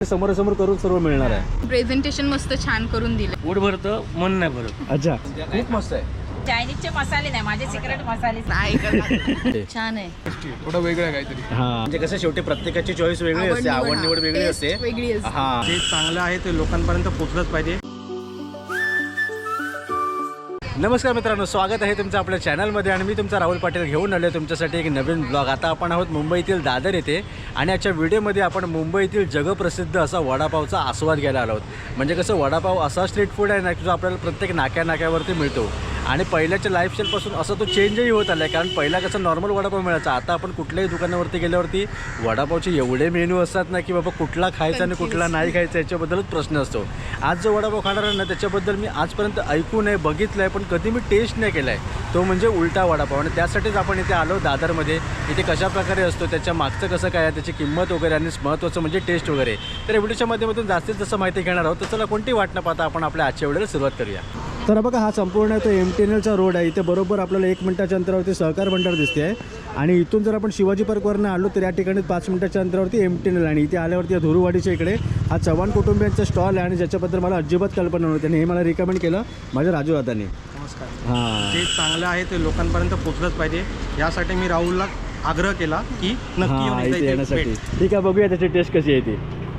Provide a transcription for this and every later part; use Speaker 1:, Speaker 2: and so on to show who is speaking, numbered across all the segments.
Speaker 1: समोरासमोर करून सर्व मिळणार आहे.
Speaker 2: प्रेझेंटेशन मस्त छान करून दिलं.
Speaker 3: पोट भरतं मन नाही भरत.
Speaker 1: अच्छा, खूप मस्त आहे.
Speaker 4: चायनीजचे मसाले नाही, माझे सिक्रेट मसाले
Speaker 2: नाही छान आहे.
Speaker 5: थोडं वेगळं आहे काहीतरी.
Speaker 1: हा, म्हणजे कसं शेवटी प्रत्येकाची चॉईस वेगळी असते, आवड निवड वेगळी असते.
Speaker 2: वेगळी असते.
Speaker 1: हा,
Speaker 3: जे चांगलं आहे ते लोकांपर्यंत पोहोचलंच पाहिजे.
Speaker 1: नमस्कार मित्रांनो, स्वागत आहे तुमचं आपल्या चॅनलमध्ये आणि मी तुमचा राहुल पाटील घेऊन आलो तुमच्यासाठी एक नवीन ब्लॉग. आता आपण आहोत मुंबईतील दादर येथे आणि आजच्या व्हिडिओमध्ये आपण मुंबईतील जगप्रसिद्ध असा वडापावचा आस्वाद घ्यायला आलो आहोत. म्हणजे कसं वडापाव असा स्ट्रीट फूड आहे ना की जो आपल्याला प्रत्येक नाक्यावरती मिळतो आणि पहिल्याच्या लाईफस्टाईलपासून असं तो चेंजही होत आला आहे. कारण पहिला कसं नॉर्मल वडापाव मिळायचा, आता आपण कुठल्याही दुकानावरती गेल्यावरती वडापावचे एवढे मेनू असतात ना की बाबा कुठला खायचा आणि कुठला नाही खायचा याच्याबद्दलच प्रश्न असतो. आज जो वडापाव खाणार आहे ना त्याच्याबद्दल मी आजपर्यंत ऐकून आहे, बघितलं आहे, पण कधी मी टेस्ट नाही केला आहे. तो म्हणजे उलटा वडापाव. आणि त्यासाठीच आपण इथे आलो दादरमध्ये. इथे कशाप्रकारे असतो, त्याच्या मागचं कसं काय आहे, त्याची किंमत वगैरे आणि महत्त्वाचं म्हणजे टेस्ट वगैरे. तर व्हिडिओच्या माध्यमातून जास्तीत जास्त माहिती घेणार आहोत. तर चला कोणती वाट न पाहता आपण आपल्या आजच्या व्हिडिओला सुरुवात करूया. तर बघा, हा संपूर्ण तो MTNLचा रोड आहे. इथे बरोबर आपल्याला 1 मिनिटाच्या अंतरावरती सहकार भंडार दिसते आहे. आणि इथून जर आपण शिवाजी पार्कवरनं आलो तर या ठिकाणी 5 मिनिटाच्या अंतरावरती MTNL. आणि इथे आल्यावरती या धुरुवाडीच्या इकडे हा चव्हाण कुटुंबियांचा स्टॉल आहे आणि ज्याच्याबद्दल मला अजिबात कल्पना नव्हती आणि हे मला रिकमेंड केलं माझ्या राजू दादांनी.
Speaker 3: नमस्कार.
Speaker 1: हां,
Speaker 3: जे चांगलं आहे ते लोकांपर्यंत पोहोचलंच पाहिजे. यासाठी मी राहुलला आग्रह केला की नक्की येऊन
Speaker 1: हां,
Speaker 3: एकदा
Speaker 1: इथे
Speaker 3: इथे
Speaker 1: येण्यासाठी.
Speaker 3: भेट.
Speaker 1: ठीक आहे, बघूया त्याची टेस्ट कशी आहे ती.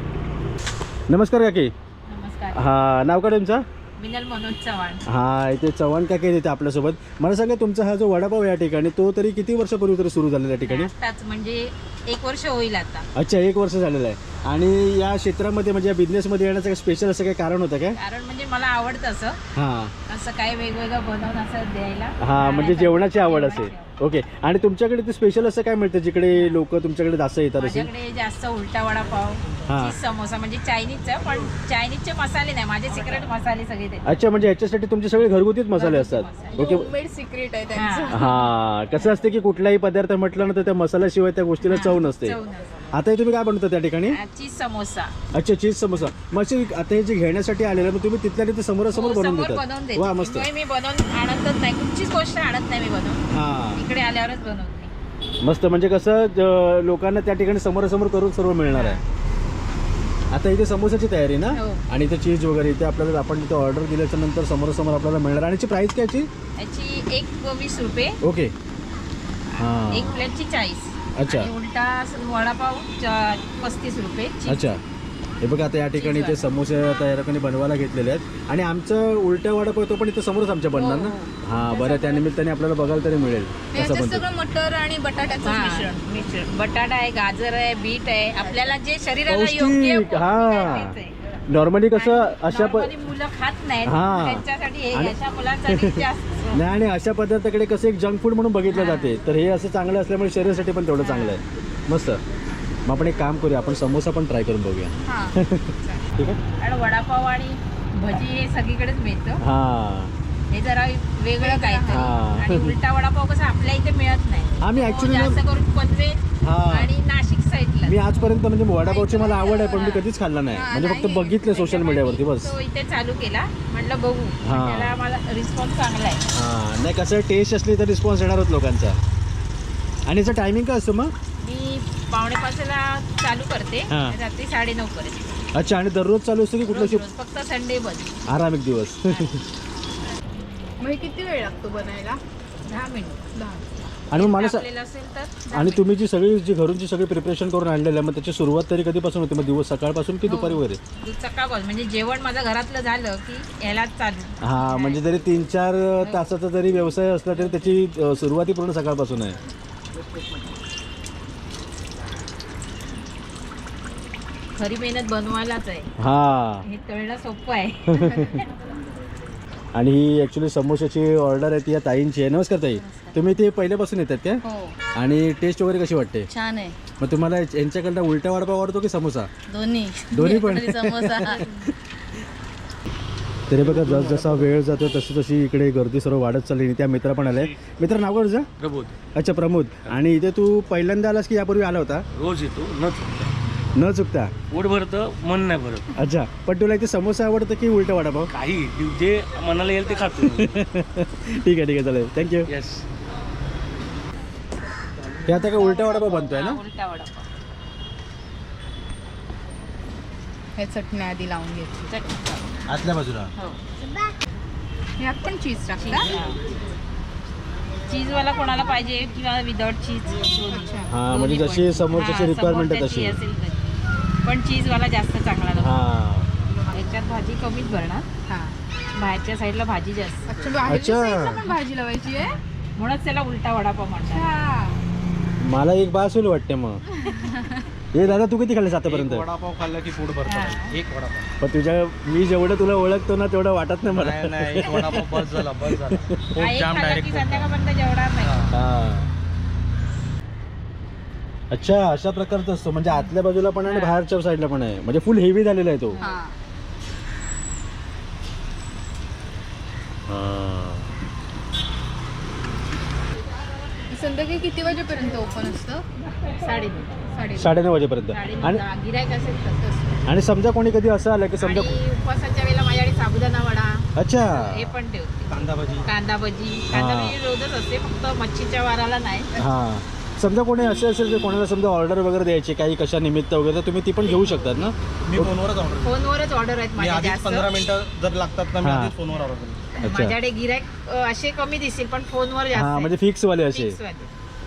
Speaker 1: नमस्कार काकी.
Speaker 4: नमस्कार.
Speaker 1: हां, नाव काय तुमचं?
Speaker 4: मिनल मनोज चव्हाण.
Speaker 1: हा, इथे चव्हाण काकी आहेत इथे आपल्यासोबत. मला सांगा, तुमचा हा जो वडापाव या ठिकाणी तो तरी किती वर्षापूर्वी तरी सुरू झालेला या ठिकाणी?
Speaker 4: आताच म्हणजे 1 वर्ष होईल आता.
Speaker 1: अच्छा, 1 वर्ष झालेलं आहे. आणि या क्षेत्रामध्ये म्हणजे या बिझनेसमध्ये येण्याचं स्पेशल असं काही कारण होतं काय?
Speaker 4: कारण म्हणजे मला आवडतं असं
Speaker 1: हां
Speaker 4: काय वेगवेगळं बनवून असं द्यायला.
Speaker 1: हां, म्हणजे जेवणाची आवड असेल. ओके. आणि तुमच्याकडे ते स्पेशल असं काय मिळतं जिकडे लोक तुमच्याकडे जास्त येतात असेल?
Speaker 4: माझ्याकडे जास्त उलटा वडापाव,
Speaker 1: हां.
Speaker 4: चीज समोसा म्हणजे चायनीजचं, पण चायनीजचे मसाले नाही, माझे सिक्रेट मसाले सगळे ते.
Speaker 1: अच्छा, म्हणजे ह्याच्यासाठी तुमचे सगळे घरगुतीच मसाले असतात. ओके.
Speaker 2: होममेड सिक्रेट आहे त्यांचं.
Speaker 1: हां, कसं असते की कुठलाही पदार्थ म्हटलं ना तर त्या मसाल्याशिवाय त्या गोष्टीला चव नसते. आता हे तुम्ही काय बनवता त्या ठिकाणी?
Speaker 4: चीज समोसा.
Speaker 1: अच्छा, चीज समोसा. मग आता हे जे घेण्यासाठी आलेलं मग तुम्ही तिथल्या तिथे समोरासमोर बनवून
Speaker 4: बनवून
Speaker 1: देतात?
Speaker 4: देते.
Speaker 1: वा, मस्त.
Speaker 4: मी बनवून आणतच नाही, कुठचीच गोष्ट आणत नाही मी बनवून.
Speaker 1: हां,
Speaker 4: इकडे आल्यावरच बनवते.
Speaker 1: मस्त. म्हणजे कसं लोकांना त्या ठिकाणी समोरासमोर करून सर्व मिळणार आहे. आता इथे समोसाची तयारी ना,
Speaker 4: हो.
Speaker 1: आणि इथे चीज वगैरे इथे आपल्याला आपण इथे ऑर्डर दिल्याच्या नंतर समोरासमोर आपल्याला मिळणार. आणि याची प्राइस काय याची?
Speaker 4: याची 20 रुपये,
Speaker 1: ओके. हां,
Speaker 4: 1 प्लेटची 40.
Speaker 1: अच्छा.
Speaker 4: आणि उलटा वडापाव 35 रुपये.
Speaker 1: अच्छा. हे बघा, आता या ठिकाणी इथे समोसे आता या ठिकाणी बनवायला घेतलेले आहेत. आणि आमचं उलट्या वडापाव तो पण इथे समोरच आमच्या बनणार ना. हां, बरं. त्या निमित्ताने आपल्याला बघायला तरी मिळेल कसं
Speaker 2: याच्यात
Speaker 1: बनतं.
Speaker 2: सगळं मटर आणि बटाट्याचं मिश्रण.
Speaker 4: बटाटा आहे, गाजर आहे, बीट आहे, आपल्याला जे शरीराला योग्य
Speaker 1: पौष्टिक. हां, नॉर्मली कसं अशा
Speaker 4: Normally मुलं खात नाहीत,
Speaker 1: हां.
Speaker 4: त्यांच्यासाठी हे
Speaker 1: आणि-
Speaker 4: अशा मुलांसाठी जास्त.
Speaker 1: नाही, आणि अशा पदार्थाकडे कसं एक जंक फूड म्हणून बघितलं जाते. तर हे असं चांगलं असल्यामुळे शरीरासाठी पण तेवढं चांगलं आहे. मस्त. मग आपण एक काम करूया, आपण समोसा पण ट्राय करून बघूया.
Speaker 2: हां.
Speaker 1: ठीक आहे.
Speaker 4: आणि वडापाव आणि भजी हे सगळीकडेच मिळतं.
Speaker 1: हां,
Speaker 4: हे जरा वेगळं काहीतरी.
Speaker 1: हां.
Speaker 4: आणि उलटा वडापाव कसं आपल्या इथे मिळत नाही.
Speaker 1: आम्ही
Speaker 4: तो
Speaker 1: ऍक्च्युली
Speaker 4: जास्त करून पनवेल
Speaker 1: हां,
Speaker 4: आणि नाशिक साईडला.
Speaker 1: मी आजपर्यंत म्हणजे वडापावची मला आवड आहे, पण मी कधीच खाल्ला नाही. म्हणजे फक्त बघितलं सोशल मीडियावरती बस.
Speaker 4: तो इथे चालू केला, म्हटलं बघू.
Speaker 1: हां.
Speaker 4: त्याला मला रिस्पॉन्स चांगला आहे.
Speaker 1: हां, नाही कसं टेस्ट असली तर रिस्पॉन्स येणारच लोकांचा. आणि याचं टायमिंग काय असतं मग?
Speaker 4: मी 4:45ला चालू करते,
Speaker 1: हां.
Speaker 4: रात्री 9:30 पर्यंत.
Speaker 1: अच्छा. आणि दररोज चालू असतं की कुठलं
Speaker 4: रोज
Speaker 1: शिफ्ट?
Speaker 4: रोज, फक्त संडे बंद.
Speaker 1: आराम एक दिवस.
Speaker 2: मग हे किती वेळ लागतो बनायला?
Speaker 4: 10 मिनिट.
Speaker 2: 10.
Speaker 1: आणि मग मला
Speaker 4: आपल्याला असेल तर 10
Speaker 1: आणि
Speaker 4: मिनिट.
Speaker 1: तुम्ही जी सगळी जी घरून सगळी प्रिपरेशन करून आणलेलं आहे, मग त्याची सुरुवात तरी कधीपासून होते? मग दिवस सकाळपासून की दुपारी वगैरे?
Speaker 4: सकाळपासून म्हणजे जेवण माझं घरातलं झालं की याला चालू.
Speaker 1: हां, म्हणजे जरी 3-4 तासाचा जरी व्यवसाय असला तरी त्याची सुरुवाती पूर्ण सकाळपासून आहे.
Speaker 4: खरी मेहनत बनवायलाच आहे.
Speaker 1: हां.
Speaker 4: हे तळणं सोपं आहे.
Speaker 1: आणि ही ॲक्च्युली समोशाची ऑर्डर आहे ती या ताईंची आहे. नमस्कार ताई. तुम्ही ते पहिल्यापासून येतात काय?
Speaker 2: हो,
Speaker 1: आणि टेस्ट वगैरे कशी वाटते?
Speaker 2: छान आहे.
Speaker 1: मग तुम्हाला यांच्याकडनं उलटा वडापाव आवडतो की समोसा?
Speaker 2: दोन्ही
Speaker 1: पण?
Speaker 2: समोसा.
Speaker 1: तरी बघा, जसा वेळ जातो तशी तशी इकडे गर्दी सर्व वाढत चालली. आणि त्या मित्र पण आले. मित्र नाव काय तुझं?
Speaker 3: प्रबोध.
Speaker 1: अच्छा, प्रमोद. आणि इथे तू पहिल्यांदा आलास की यापूर्वी आला होता?
Speaker 3: रोज येतो न चुकता.
Speaker 1: न चुकता.
Speaker 3: पोट भरतं मन नाही भरत.
Speaker 1: अच्छा, पण तुला इथे समोसा आवडतं की उलटा वडापाव?
Speaker 3: काही जे मनाला येईल ते खातो.
Speaker 1: ठीक आहे, चालेल. थँक्यू.
Speaker 3: येस.
Speaker 1: हे आता काय उलटा वडापाव बनतोय ना?
Speaker 4: उलटा वडापाव.
Speaker 2: हे चटणी आधी लावून घ्यायची.
Speaker 4: चटणी
Speaker 1: आतल्या बाजूला
Speaker 4: हो
Speaker 2: यात पण चीज टाकता.
Speaker 4: चीजवाला कोणाला पाहिजे किंवा विदाउट चीज
Speaker 1: हां, म्हणजे जशी समोरच्याची requirement आहे तशी.
Speaker 4: असेल तशी. पण चीजवाला जास्त चांगला लागतो.
Speaker 1: हां.
Speaker 4: याच्यात भाजी कमीच भरणार,
Speaker 2: हा.
Speaker 4: बाहेरच्या साईडला भाजी जास्त,
Speaker 2: अच्छा, भाजीच्या
Speaker 1: अच्छा.
Speaker 2: साईडला पण भाजी लावायची आहे.
Speaker 4: म्हणूनच त्याला उलटा वडापाव म्हणतात.
Speaker 2: अच्छा.
Speaker 1: मला एक बास होईल वाटते मग. हे दादा तू किती खाल्लेस आतापर्यंत?
Speaker 3: एक वडापाव खाल्ला की पोट
Speaker 4: हा.
Speaker 3: भरतं. एक वडापाव.
Speaker 1: पण तुझ्या मी जेवढं तुला ओळखतो ना तेवढं वाटत नाही मला.
Speaker 3: नाही नाही, एक वडापाव बस झाला, बस झाला.
Speaker 4: हा,
Speaker 3: पोट
Speaker 4: एक
Speaker 3: जाम
Speaker 4: खाल्ला की
Speaker 3: डायरेक्ट.
Speaker 4: संध्याकाळपर्यंत जेवणार नाही.
Speaker 1: हां. अच्छा, अशा प्रकारचा असतो म्हणजे आतल्या बाजूला पण आहे आणि बाहेरच्या साईडला पण आहे, म्हणजे फुल हेवी झालेला आहे तो.
Speaker 2: हा.
Speaker 1: हां.
Speaker 2: संध्याकाळी किती वाजेपर्यंत ओपन असतं?
Speaker 4: 9:30.
Speaker 1: 9:30 वाजेपर्यंत. आणि
Speaker 4: गिरायक असेल तर.
Speaker 1: आणि समजा कोणी कधी असं आलं की समजा
Speaker 4: आणि उपवासाच्या वेळेला माझ्याकडे साबुदाणा वडा
Speaker 1: अच्छा
Speaker 4: हे पण ठेवते.
Speaker 3: कांदा भाजी.
Speaker 4: कांदा भजी
Speaker 1: हा.
Speaker 4: रोजच असते, फक्त मच्छीच्या वाराला नाही.
Speaker 1: हां, समजा कोणी असे असेल की कोणाला समजा ऑर्डर वगैरे द्यायची काही कशा निमित्त वगैरे तर तुम्ही ती पण घेऊ शकतात ना?
Speaker 3: मी फोनवरच ऑर्डर.
Speaker 4: फोनवरच ऑर्डर आहेत
Speaker 3: मी
Speaker 4: माझ्या
Speaker 3: आधीच
Speaker 4: जास्त.
Speaker 3: 15 मिनिटं जर लागतात ना, मी
Speaker 1: हा.
Speaker 3: आधीच फोनवर ऑर्डर करतो.
Speaker 1: अच्छा.
Speaker 4: माझ्याकडे गिरायक असे कमी दिसतील पण फोनवर जास्त
Speaker 1: हां,
Speaker 4: आहे.
Speaker 1: म्हणजे फिक्स वाले असे.
Speaker 4: Fix वाले.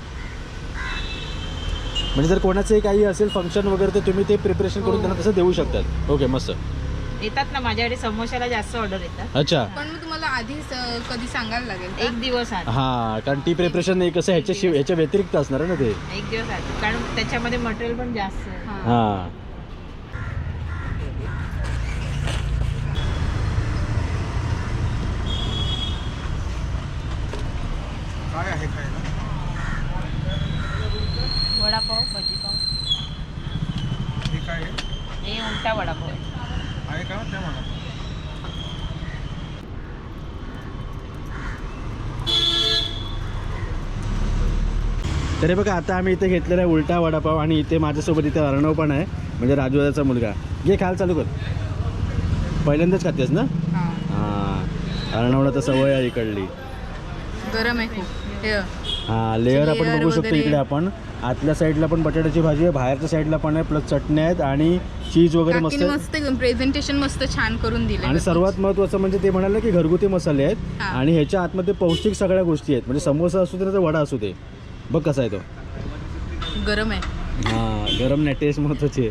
Speaker 1: म्हणजे जर कोणाचे काही असेल फंक्शन वगैरे तर तुम्ही ते प्रिपरेशन करून त्यांना तसं देऊ शकतात. ओके, मस्त.
Speaker 4: येतात ना माझ्याकडे समोशाला जास्त ऑर्डर येतात.
Speaker 1: अच्छा.
Speaker 2: पण मग तुम्हाला आधीच कधी सांगायला लागेल का?
Speaker 4: एक दिवस आधी.
Speaker 1: हां, कारण टी प्रिपरेशन नाही कसं ह्याच्या व्यतिरिक्त असणार आहे ना ते.
Speaker 4: एक दिवस आधी, कारण त्याच्यामध्ये मटेरियल पण जास्त आहे.
Speaker 2: हा.
Speaker 1: हां.
Speaker 3: काय आहे खायला?
Speaker 4: वडापाव भजीपाव
Speaker 3: हे काय आहे?
Speaker 4: हे उलटा वडापाव आहे.
Speaker 3: आहे का त्या मला?
Speaker 1: तरी बघा आता आम्ही इथे घेतलेला आहे उलटा वडापाव आणि इथे माझ्यासोबत इथे अर्णव पण आहे म्हणजे राजूदाचा मुलगा. घे खाल चालू कर. पहिल्यांदाच खातेस ना?
Speaker 2: हा.
Speaker 1: हां, अर्णवला तर सवय आहे इकडली.
Speaker 2: गरम आहे खूप. हे
Speaker 1: हां, लेअर आपण
Speaker 2: Layer
Speaker 1: बघू शकतो
Speaker 2: वगैरे.
Speaker 1: इकडे आपण. आतल्या साईडला पण बटाट्याची भाजी आहे, बाहेरच्या साईडला पण आहे, प्लस चटण्या आहेत आणि चीज वगैरे मस्त
Speaker 2: काकीने
Speaker 1: आहे.
Speaker 2: मस्त प्रेझेंटेशन मस्त छान करून दिले.
Speaker 1: आणि सर्वात महत्त्वाचं म्हणजे ते म्हणाले की घरगुती मसाले आहेत
Speaker 2: हां.
Speaker 1: आणि ह्याच्या आतमध्ये पौष्टिक सगळ्या गोष्टी आहेत. म्हणजे समोसा असू दे ना तर वडा असू दे. बघ कसा आहे तो.
Speaker 2: गरम आहे.
Speaker 1: हां, गरम नाही, टेस्ट महत्त्वाची आहे.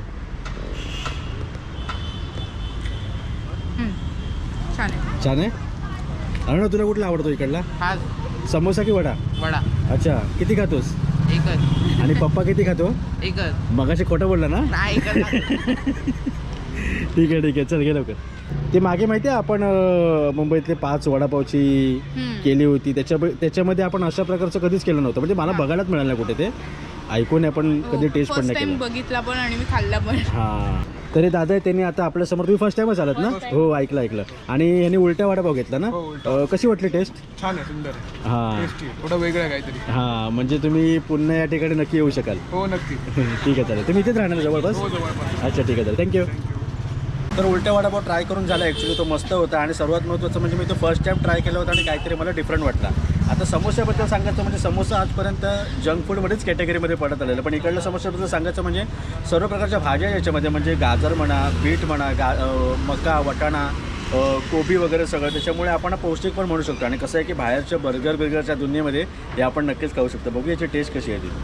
Speaker 2: छान आहे.
Speaker 1: छान आहे. अरे तुला कुठला आवडतो इकडला?
Speaker 5: हा
Speaker 1: समोसा की वडा?
Speaker 5: वडा
Speaker 1: अच्छा, किती खातोस?
Speaker 5: एकच
Speaker 1: आणि पप्पा किती खातो?
Speaker 5: एकच
Speaker 1: मगाशी खोटं बोलला ना?
Speaker 5: नाही एकच
Speaker 1: ठीक आहे चल घे लवकर. ते मागे माहिती आहे आपण मुंबईतले 5 वडापावची केली होती त्याच्यामध्ये आपण अशा प्रकारचं कधीच केलं नव्हतं. म्हणजे मला बघायलाच मिळालं नाही कुठे ते. ऐकून आपण कधी टेस्ट पण
Speaker 2: फर्स्ट
Speaker 1: नाही
Speaker 2: टाइम
Speaker 1: केलं.
Speaker 2: बघितला पण आणि मी खाल्ला पण.
Speaker 1: हां, तरी दादा आहे त्यांनी आता आपल्यासमोर. तुम्ही फर्स्ट टाइमच आलात ना? हो, ऐकलं. आणि ह्याने उलटा वडापाव घेतला ना?
Speaker 3: हो, उलटा.
Speaker 1: कशी वाटली टेस्ट?
Speaker 3: छान आहे, सुंदर आहे.
Speaker 1: हां
Speaker 3: टेस्टी आहे. थोडं वेगळं आहे काहीतरी.
Speaker 1: हां, म्हणजे तुम्ही पुन्हा या ठिकाणी नक्की येऊ शकाल.
Speaker 3: हो नक्की.
Speaker 1: ठीक आहे चालेल. तुम्ही इथेच राहणार जवळपास?
Speaker 3: हो जवळपास.
Speaker 1: अच्छा, ठीक आहे चालेल. थँक्यू. तर उलटा वडापाव ट्राय करून झाला. ॲक्च्युली तो मस्त होता आणि सर्वात महत्त्वाचं म्हणजे मी तो फर्स्ट टाईम ट्राय केला होता आणि काहीतरी मला डिफरंट वाटला. आता समोस्याबद्दल सांगायचं म्हणजे समोसा आजपर्यंत जंक फूडमध्येच कॅटेगरीमध्ये पडत आलेलं. पण इकडल्या समोस्याबद्दल सांगायचं म्हणजे सर्व प्रकारच्या भाज्या याच्यामध्ये म्हणजे गाजर म्हणा, बीट म्हणा, मका, वाटाणा, कोबी वगैरे सगळं. त्याच्यामुळे आपण पौष्टिक पण म्हणू शकतो. आणि कसं आहे की बाहेरच्या बर्गरच्या दुनियेमध्ये हे आपण नक्कीच खाऊ शकतो. बघू याची टेस्ट कशी आहे ती.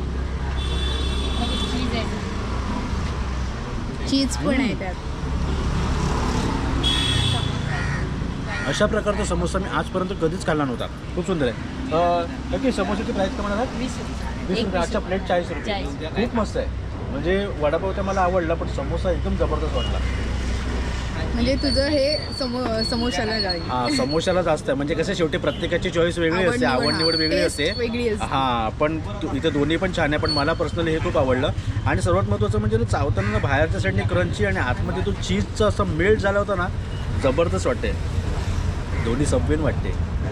Speaker 4: चीज आहे.
Speaker 2: चीज पण आहे त्यात.
Speaker 1: अशा प्रकारचा समोसा मी आजपर्यंत कधीच खाल्ला नव्हता. खूप सुंदर आहे. नक्की समोसाची प्राईस काय म्हणाला?
Speaker 4: 20 रुपये.
Speaker 1: 20 रुपये. अच्छा, प्लेट 40 रुपये. खूप मस्त आहे. म्हणजे वडापाव तर मला आवडला पण समोसा एकदम जबरदस्त वाटला.
Speaker 2: म्हणजे तुझं हे समोशाला जाईल.
Speaker 1: हां, समोशाला जास्त आहे. म्हणजे कसं शेवटी प्रत्येकाची चॉईस वेगळी असते, आवड निवड वेगळी असते.
Speaker 2: वेगळी असते.
Speaker 1: हां, पण इथे दोन्ही पण छान आहे. पण मला पर्सनली हे खूप आवडलं. आणि सर्वात महत्त्वाचं म्हणजे तो चावताना बाहेरच्या साईडने क्रंची आणि आतमध्ये तो चीजचं असं मेल्ट झाला होता ना, जबरदस्त वाटते. दोन्ही सबवेन वाटते.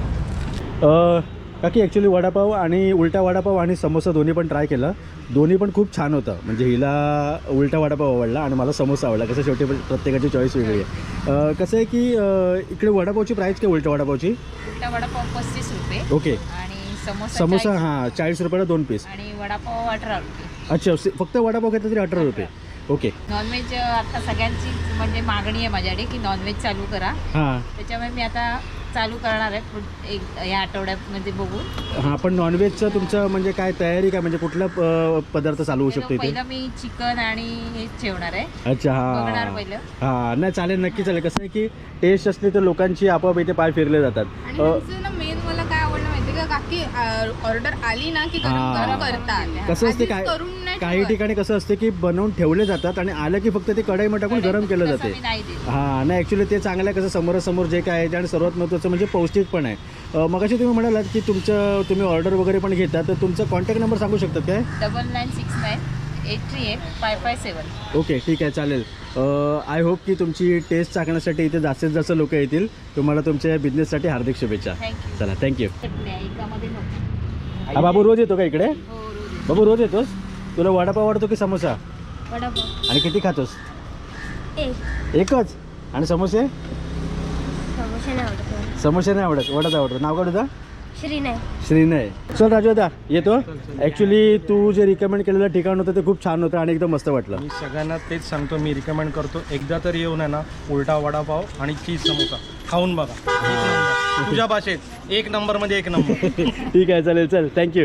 Speaker 1: काकी ॲक्च्युली वडापाव आणि उलटा वडापाव आणि समोसा दोन्ही पण ट्राय केलं. दोन्ही पण खूप छान होतं. म्हणजे हिला उलटा वडापाव आवडला आणि मला समोसा आवडला. कसं शेवटी प्रत्येकाची चॉईस वेगळी आहे. कसं आहे की इकडे वडापावची प्राईस काय उलटा वडापावची?
Speaker 4: उलटा वडापाव 35 रुपये
Speaker 1: ओके.
Speaker 4: आणि समोसा
Speaker 1: समोसा
Speaker 4: 40
Speaker 1: हां 40 रुपयाला 2 पीस.
Speaker 4: आणि वडापाव 18 रुपये.
Speaker 1: अच्छा, फक्त वडापाव घेतला तरी 18 रुपये. ओके
Speaker 4: नॉनव्हेज आता सगळ्यांची म्हणजे मागणी आहे माझ्याकडे की नॉनव्हेज चालू करा.
Speaker 1: हां
Speaker 4: त्याच्यामुळे मी आता चालू करणार आहे या आठवड्यामध्ये बघून.
Speaker 1: हां. पण नॉनव्हेजचं तुमचं म्हणजे काय तयारी काय म्हणजे कुठला पदार्थ चालू होऊ शकतो इथे?
Speaker 4: पहिलं मी चिकन आणि हेच ठेवणार आहे.
Speaker 1: अच्छा
Speaker 4: बघणार
Speaker 1: हां
Speaker 4: पहिलं.
Speaker 1: हां. नाही चालेल, नक्की चालेल. कसं आहे की टेस्ट असली तर लोकांची आपोआप इथे पाय फिरले जातात.
Speaker 2: आणि त्यांचं ना मेन मला काय आवडलं माहिती का काकी ऑर्डर आली ना की गरम
Speaker 1: हा.
Speaker 2: गरम करतात.
Speaker 1: कसं असते
Speaker 2: आधीच
Speaker 1: काय
Speaker 2: करून नाही
Speaker 1: काही
Speaker 2: ठेवत.
Speaker 1: ठिकाणी कसं असते की बनवून ठेवले जातात आणि आलं की फक्त ते कढईमध्ये टाकून गरम केलं
Speaker 4: तसं
Speaker 1: जाते.
Speaker 4: मी नाही देत.
Speaker 1: हां. नाही ॲक्च्युली ते चांगलं आहे. कसं समोरासमोर जे काय आहे आणि सर्वात महत्त्वाचं म्हणजे पौष्टिक पण आहे. मगाशी तुम्ही म्हणालात की तुम्ही ऑर्डर वगैरे पण घेता, तर तुमचा कॉन्टॅक्ट नंबर सांगू शकतात काय?
Speaker 4: 9969838557.
Speaker 1: ओके ठीक आहे चालेल. आय होप की तुमची टेस्ट चाकण्यासाठी इथे जास्तीत जास्त लोक येतील. तुम्हाला तुमच्या बिझनेससाठी हार्दिक शुभेच्छा.
Speaker 4: थँक्यू.
Speaker 1: चला थँक्यू.
Speaker 4: एकामध्ये नको.
Speaker 1: हा बाबू रोज येतो का इकडे?
Speaker 4: हो, रोज.
Speaker 1: बाबू रोज येतोस? तुला वडापाव आवडतो की समोसा?
Speaker 6: वडापाव
Speaker 1: आणि किती खातोस?
Speaker 6: एक
Speaker 1: एकच. आणि समोसे?
Speaker 6: समोसा नाही आवडत.
Speaker 1: समोसे नाही आवडत, वडाच आवडतो. नाव काय तुझं?
Speaker 6: श्रीनय.
Speaker 1: श्रीनय. चल राजू दादा येतो. ॲक्च्युली तू जे रिकमेंड केलेलं ठिकाण होतं ते खूप छान होतं आणि एकदम मस्त वाटलं.
Speaker 3: मी सगळ्यांना तेच सांगतो, मी रिकमेंड करतो एकदा तरी येऊन आहे ना उलटा वडापाव आणि चीज समोसा खाऊन बघा. एक नंबर. तुझ्या भाषेत 1 नंबरमध्ये 1 नंबर.
Speaker 1: ठीक आहे चालेल. चल थँक्यू.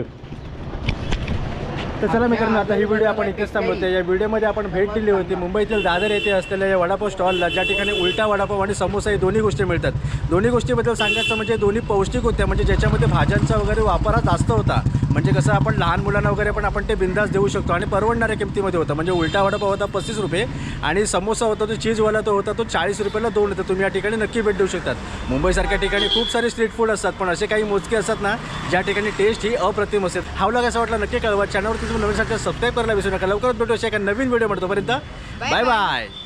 Speaker 1: तर चला मित्रांनो, आता ही व्हिडिओ आपण इथेच थांबवते. या व्हिडिओमध्ये आपण भेट दिली होती मुंबईतील दादर येथे असलेल्या या वडापाव स्टॉलला, ज्या ठिकाणी उलटा वडापाव आणि समोसा ही दोन्ही गोष्टी मिळतात. दोन्ही गोष्टीबद्दल सांगायचं म्हणजे दोन्ही पौष्टिक होत्या, म्हणजे ज्याच्यामध्ये भाज्यांचा वगैरे वापर जास्त होता. म्हणजे कसं आपण लहान मुलांना वगैरे पण आपण ते बिंदास देऊ शकतो आणि परवडणाऱ्या किमतीमध्ये होतं. म्हणजे उलटा वडापाव होता 35 रुपये आणि समोसा होता तो चीजवाला तो होता तो 40 रुपयाला 2 होतं. तुम्ही या ठिकाणी नक्की भेट देऊ शकतात. मुंबईसारख्या ठिकाणी खूप सारे स्ट्रीट फूड असतात, पण असे काही मोजके असतात ना ज्या ठिकाणी टेस्ट ही अप्रतिम असते. हा व्लॉग असं वाटला नक्की कळवा. चॅनलवरती तुम्ही नवीन सबस्क्राईब करायला विसरू नका. लवकरच भेटू अशा एका नवीन व्हिडिओ म्हणतो. पर्यंत बाय बाय.